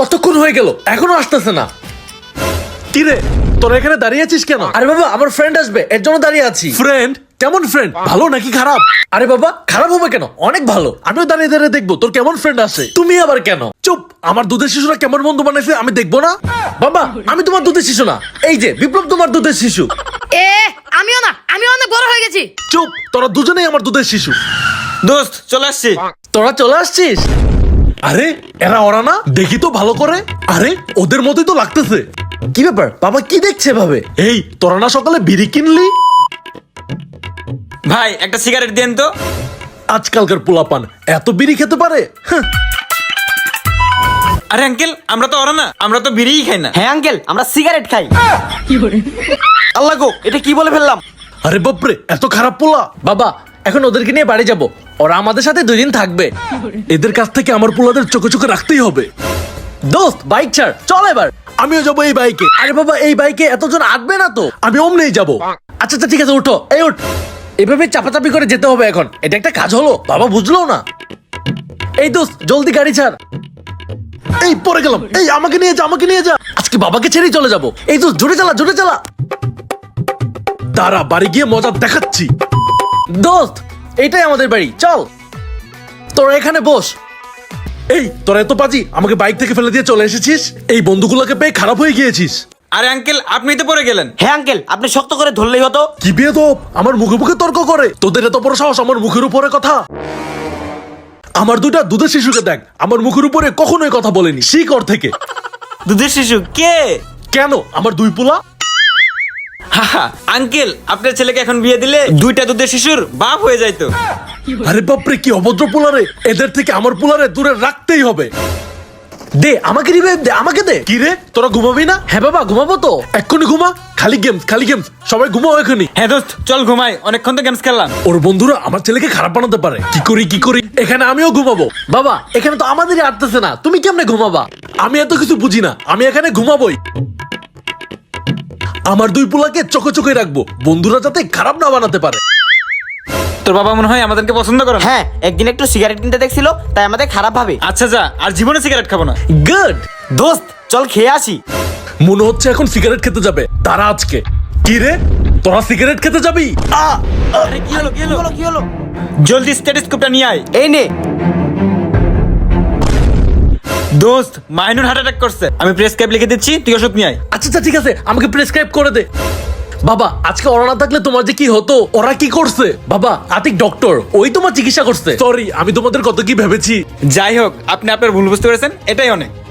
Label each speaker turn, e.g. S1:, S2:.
S1: কতক্ষণ হয়ে গেল এখনো আসতেছে না।
S2: কি রে তোরা এখানে দাঁড়িয়ে আছিস কেন?
S1: আরে বাবা আমার ফ্রেন্ড আসবে এর জন্য দাঁড়িয়ে আছি।
S2: ফ্রেন্ড? কেমন ফ্রেন্ড? ভালো নাকি খারাপ?
S1: আরে বাবা খারাপ হবে কেন, অনেক ভালো।
S2: আমিও দাঁড়িয়ে দাঁড়িয়ে দেখবো তোর কেমন ফ্রেন্ড আসে।
S1: তুমি আবার কেন?
S2: চুপ, আমার দুধের শিশুরা কেমন বন্ধু বানাইছে আমি দেখবো না?
S1: বাবা আমি তোমার দুধের শিশু না, এই যে বিপ্লব তোমার দুধের শিশু।
S3: আমিও না, আমি অনেক বড় হয়ে গেছি।
S2: চুপ, তোরা দুজনেই আমার দুধের শিশু।
S4: দোস্ত চলে আসছি।
S1: তোরা চলে আসছিস?
S2: আরে এরা ওরা না, দেখি তো ভালো করে। আরে ওদের মতোই তো লাগতেছে।
S1: কি ব্যাপার বাবা, কি দেখছে ভাবে?
S2: এই তোরা না সকালে বিড়ি কিনলি?
S4: ভাই একটা সিগারেট দেন তো।
S2: আজকালকার পোলাপান এত বিড়ি খেতে পারে? হ্যাঁ।
S4: আরে আঙ্কেল আমরা তো ওরা না, আমরা তো বিড়িই খাই না।
S5: হ্যাঁ আঙ্কেল, আমরা সিগারেট খাই। আল্লাহ গো, এটা কি বলে ফেললাম?
S2: আরে বাপরে, এত খারাপ পোলা।
S1: বাবা এখন ওদেরকে নিয়ে বাড়ি যাব, ওরা আমাদের সাথে 2 দিন থাকবে।
S2: এদের কাছ থেকে আমার পোলাদের চোখে চোখে রাখতেই হবে।
S1: দোস্ত বাইক ছাড়, চল এবার।
S2: আমিও যাবো এই বাইকে।
S1: আরে বাবা এই বাইকে এতজন আটবে না তো।
S2: আমি অমনেই যাবো।
S1: আচ্ছা আচ্ছা ঠিক আছে, উঠো, এই উঠ। এভাবে চাপাচাপি করে যেতে হবে এখন, এটা একটা কাজ হলো? বাবা বুঝলো না। এই দোস্ত জলদি গাড়ি ছাড়।
S2: এই পরে গেলাম, এই আমাকে নিয়ে যা, আমাকে নিয়ে যা।
S1: আজকে বাবাকে ছেড়েই চলে যাবো। এই দোস্ত জোরে চালা, জোরে চালা।
S2: তারা বাড়ি গিয়ে মজা দেখাচ্ছি।
S1: দোস্ত এইটাই আমাদের বাড়ি, চল। তোরা এখানে বস।
S2: এই তোরা এত পাজি, আমাকে বাইক থেকে ফেলে দিয়ে চলে এসেছিস। এই বন্ধুগুলোকে পেয়ে খারাপ হয়ে গিয়েছিস।
S4: আরে আঙ্কেল আপনি তো পড়ে গেলেন।
S5: হ্যাঁ আঙ্কেল, আপনি শক্ত করে ধরলেই হতো।
S2: কি বেয়াদব, আমার মুখে মুখে তর্ক করে। তোদের এত বড় সাহস আমার মুখের উপরে কথা। আমার দুইটা দুধের শিশুকে দেখ, আমার মুখের উপরে কখনোই কথা বলেনি। শিখ ওর থেকে।
S4: দুধের শিশু কে?
S2: কেন আমার 2 পোলা?
S4: হাহা, আঙ্কেল আপনার ছেলেকে এখন বিয়ে দিলে 2টা দুধের শিশুর বাপ হয়ে যাইতো।
S2: আরে বাপরে, কি অভদ্র পোলারে। এদের থেকে আমার পোলারে দূরে রাখতেই হবে।
S1: দে আমাকে রিভাইভ দে, আমাকে দে।
S2: কি রে তোরা ঘুমাবি না?
S1: হ্যাঁ বাবা ঘুমাবো তো।
S2: এক্ষুনি ঘুমা। খালি গেমস, খালি গেমস। সবাই ঘুমাও এখনই।
S4: হ্যাঁ দোস্ত চল ঘুমাই, অনেকক্ষণ তো গেমস খেললাম।
S2: ওর বন্ধুরা আমার ছেলেকে খারাপ বানাতে পারে। কি করি এখানে আমিও ঘুমাবো।
S1: বাবা এখানে তো আমাদেরই আটতেছে না, তুমি কেমনে ঘুমাবা?
S2: আমি এত কিছু বুঝি না, আমি এখানে ঘুমাবোই। আমার 2 পোলাকে চোখে চোখে রাখবো, বন্ধুরা যাতে খারাপ না বানাতে পারে।
S4: তোর বাবা মনে হয় আমাদেরকে পছন্দ করে না।
S5: হ্যাঁ, একদিন একটু সিগারেট কিনতে দেখছিল, তাই আমাদের খারাপ ভাবে।
S4: আচ্ছা যা, আর জীবনে সিগারেট খাবো না।
S1: গুড।
S5: দোস্ত চল খেয়ে আসি।
S2: মনে হচ্ছে এখন সিগারেট খেতে যাবে তারা আজকে। কি রে তোরা সিগারেট খেতে যাবি?
S4: আরে কি হলো, কি হলো?
S5: কি হলো?
S4: জলদি স্টেথোস্কোপটা নিয়ে আয়।
S5: এই নে।
S4: দোস্ত মাইনুর হার্ট অ্যাটাক করছে, আমি প্রেসক্রাইব লিখে দিচ্ছি, তুই ওষুধ নিয়ে আয়।
S1: আচ্ছা আচ্ছা ঠিক আছে, আমাকে প্রেসক্রাইব করে দে। বাবা আজকে ওরা না থাকলে তোমার যে কি হতো।
S2: ওরা কি করছে?
S1: বাবা আতিক ডক্টর, ওই তোমার চিকিৎসা করছে।
S2: সরি, আমি তোমাদের কত কি ভেবেছি।
S4: যাই হোক, আপনি আপনার ভুল বুঝতে পেরেছেন, এটাই অনেক।